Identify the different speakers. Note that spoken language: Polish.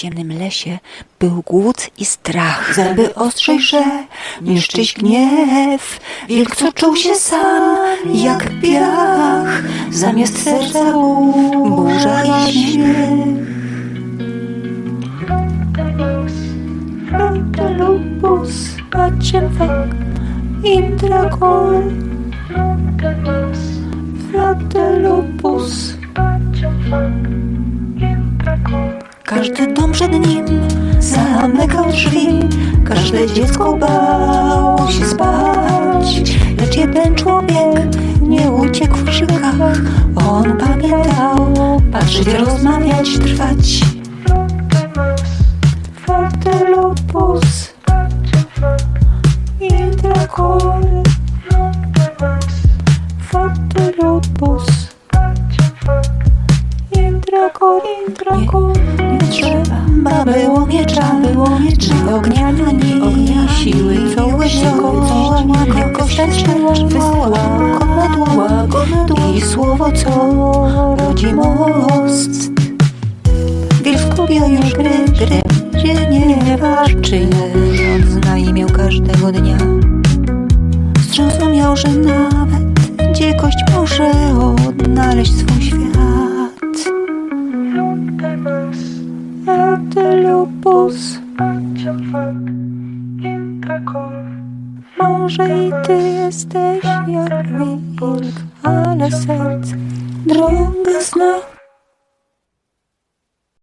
Speaker 1: ciemnym lesie był głód i strach. Zęby ostrzejsze niż czyś gniew. Wilk, co czuł się sam jak piach. Zamiast serca burza i śmiech. Frontalupus, Aciefak, Indragor. Frontalupus. Każdy dom przed nim zamykał drzwi, każde dziecko bało się spać. Lecz jeden człowiek nie uciekł w krzykach. On pamiętał patrzeć, rozmawiać, trwać. Frontalupus, Indragor. Frontalupus, Indragor. Nie trzeba było miecza, ni ognia, ani siły, co jakoś wysłała i słowo, co rodzi most. Wilk skupiał już gry, gdzie nie walczy, rząd zna imię każdego dnia. Zrozumiał, że nawet dzikość może odnaleźć swój świat. Frontalupus, może i ty jesteś jak wilk, ale serce drogę zna.